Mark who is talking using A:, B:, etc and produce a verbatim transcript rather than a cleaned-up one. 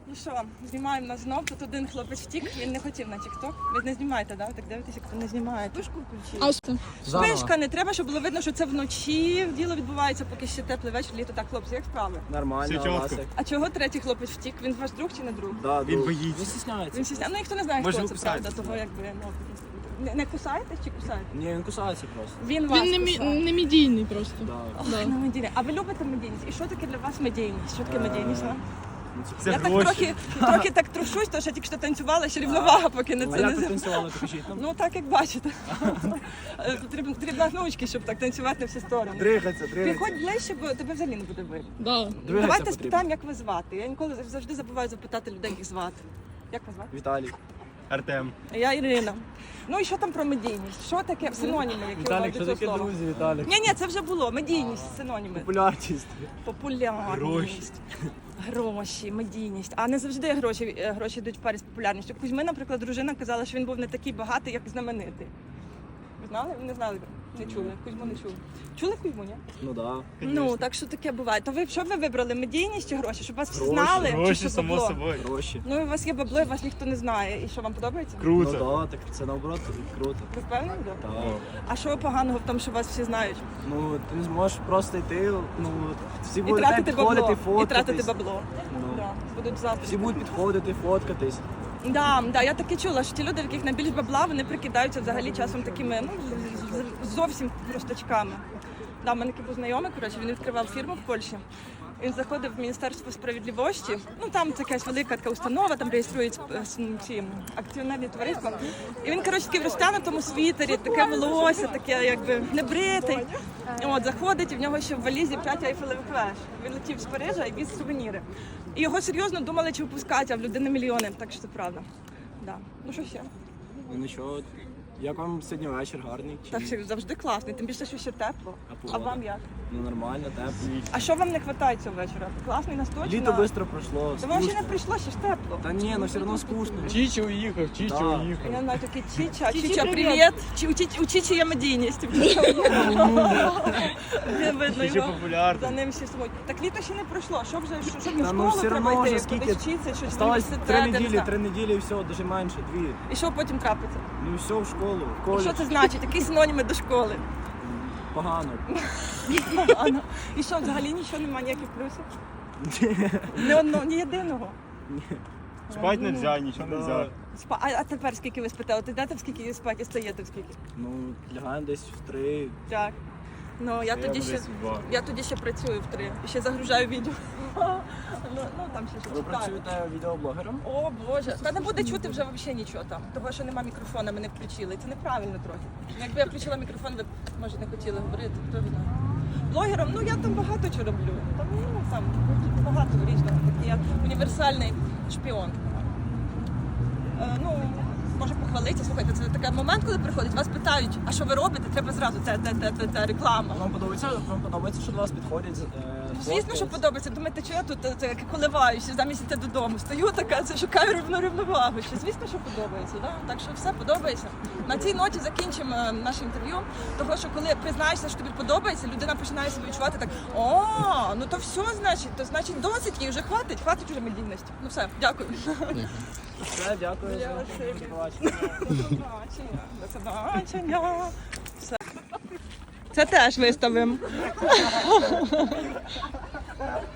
A: Ну що, знімаємо нас знов. Тут один хлопець втік, він не хотів на тік-ток. Ви не знімаєте, да? Так дивитесь, як ви не знімаєте. Пишку включили.
B: А що?
A: Пишка, не треба, щоб було видно, що це вночі. Діло відбувається, поки ще теплий вечір, літо. Так, хлопці, як справи?
C: Нормально, Ласик.
A: А чого третій хлопець втік? Він ваш друг чи не друг?
C: Да,
D: Він
C: друг.
D: боїться.
C: Він стісняється.
A: Він стісняється. Ну, ніхто не знає,
D: Може,
A: хто
D: ви
A: це,
D: кусаєте?
A: правда, того якби, ну... Не, не кусаєте чи кусаєте?
C: Ні, він кусається просто.
A: Він вас
B: Він не, мі-
A: кусає.
B: не медійний просто.
C: Да.
A: Ох,
B: Да.
A: ну, медійність. А ви любите медійність? І що таке для вас медійність? Що таке медійність? а?
C: Ну, це
D: Це
A: Я так
D: гроші.
A: трохи, трохи так трушусь, тому що я тільки що танцювала, ще рівновага, поки не
C: А
A: це
C: як
A: не
C: ви
A: з-
C: танцювали, покажіть нам?
A: Ну так як бачите. Е, Потрібно, потрібно гнучки, щоб так танцювати на всі сторони.
C: Дригаться, дригаться.
A: Приходь ближче, бо тебе взагалі не буде видно.
B: Да.
C: Дригаться
A: Давайте
C: потрібно.
A: спитаємо, як ви звати. Я ніколи завжди забуваю запитати людей, як їх звати. Як вас звати?
C: Віталій.
D: Артем.
A: Я Ірина. Ну і що там про медійність? Що таке синоніми, які у вас до цього слова?
C: Віталік?
A: Ні, ні, це вже було. Медійність, синоніми.
C: Популярність.
A: Популярність.
D: Гроші.
A: Гроші, медійність. А не завжди гроші, е, гроші йдуть в парі з популярністю. Кузьми, наприклад, дружина казала, що він був не такий багатий, як знаменитий. Ви знали? Ви не знали? Не чули. Кузьму не чули. Чули Кузьму, ні?
C: Ну да.
A: Ну, так що таке буває. То ви що ви вибрали? Медійність чи гроші? Щоб вас всі
C: Гроші,
A: знали? чи
D: Гроші,
A: що
D: само
A: бабло?
D: собою.
C: Гроші.
A: Ну, і у вас є бабло, і вас ніхто не знає. І що, вам подобається?
C: Ну
D: Круто.
C: да, так це наоборот круто.
A: Ви впевнені? Да?
C: Так.
A: А що поганого в тому, що вас всі знають?
C: Ну, ти не зможеш просто йти, ну, всі
A: І
C: будуть
A: тратити
C: підходити,
A: бабло.
C: фоткатись.
A: І тратити бабло.
C: Ну.
A: Да. Будуть завтра.
C: Всі будуть підходити, фоткатись.
A: Да, да, я таки чула, що ті люди, в яких найбільш бабла, вони прикидаються взагалі часом такими, ну, з- з- зовсім простачками. Да, в мене такий був знайомий, коротше, він відкривав фірму в Польщі. Він заходив в Міністерство справедливості, ну там це якась велика така установа, там реєструють е, с- ці акціонерні товариства. І він, коротше, такий в розтягнутому світері, таке волосся, таке якби небритий. І От, заходить, і в нього ще в валізі п'ять айфелевих веж. Він летів з Парижа і віз сувеніри. І його серйозно думали, чи випускають, а в людини мільйони, так що це правда. Да. Ну що ще?
C: Ну нічого. Як вам сьогодні вечір гарний? Чи...
A: Так що завжди класний, тим більше, що ще тепло.
C: А
A: А
C: погода?
A: вам як?
C: Ну нормально, тепло.
A: А що вам не вистачає цього вечора? Класний настoj? чи
C: Літо
A: на-
C: швидко пройшло,
A: Та воно ще
C: скучно.
A: не прийшло, ще ж тепло.
C: Та ні, ну все одно скучно.
D: Чічі уїхав, Чічі
C: Да.
D: уїхав.
A: Я знаю, такий Чіча.
B: Чічі,
A: Чіча,
B: привіт.
A: привіт. Чи, у, Чічі, у Чічі є медійність. Не видно
D: Чічі
A: його.
D: популярний.
A: За ним всі сумують. Так літо ще не пройшло. Що вже, що, що в
C: Та
A: школу
C: ну все
A: треба
C: одно
A: йти,
C: вже скільки.
A: кудись вчитися, щось в
C: Осталось
A: університет,
C: три
A: я не
C: неділі,
A: знаю.
C: три неділі і все, дуже менше, дві.
A: І що потім трапиться?
C: Ну і все в школу, в
A: І
C: коледж.
A: що це значить? Які синоніми до школи?
C: Погано.
A: Погано. І що, взагалі нічого немає, ніяких плюсів? Ні одного, ні єдиного.
D: Спать не можна, нічого не можна.
A: Спа- А, а тепер скільки ви спите? От йдете в скільки спати, стаєте в скільки?
C: Ну, лягаємо десь в три.
A: Так. Ну, я тоді ще, я тоді ще працюю в три. І ще загружаю відео. Ну, ну там ще щось
C: Ви
A: читаю.
C: працюєте відеоблогером?
A: О, Боже. Та не буде чути вже взагалі нічого там. Того, що нема мікрофона, ми не включили. Це неправильно трохи. Якби я включила мікрофон, ви б, може, не хотіли говорити, хто знає. Блогером, ну я там багато чого роблю. Там, ну, там багато різного. Такий я універсальний шпіон. Е, ну, може похвалитися. Слухайте, це такий момент, коли приходять, вас питають, а що ви робите, треба зразу те, те, те, те, те, реклама.
C: Вам подобається, вам подобається, що до вас підходять? е,
A: Звісно, що
C: фоткаються?
A: подобається. Думаєте, що я тут е, це, коливаюся, замість йти додому. Стою така, це шукаю рівну рівновагу. Що, звісно, що подобається. Да? Так що все подобається. На цій ноті закінчимо е, наше інтерв'ю. Того, що коли признаєшся, що тобі подобається, людина починає себе відчувати так: о, ну то все, значить, то значить досить і вже хватить, хватить уже медійності. Ну все, дякую.
C: Все, дякую за
A: Спасибі.
C: до побачення.
A: До побачення. До побачення. Все. Це теж виставимо.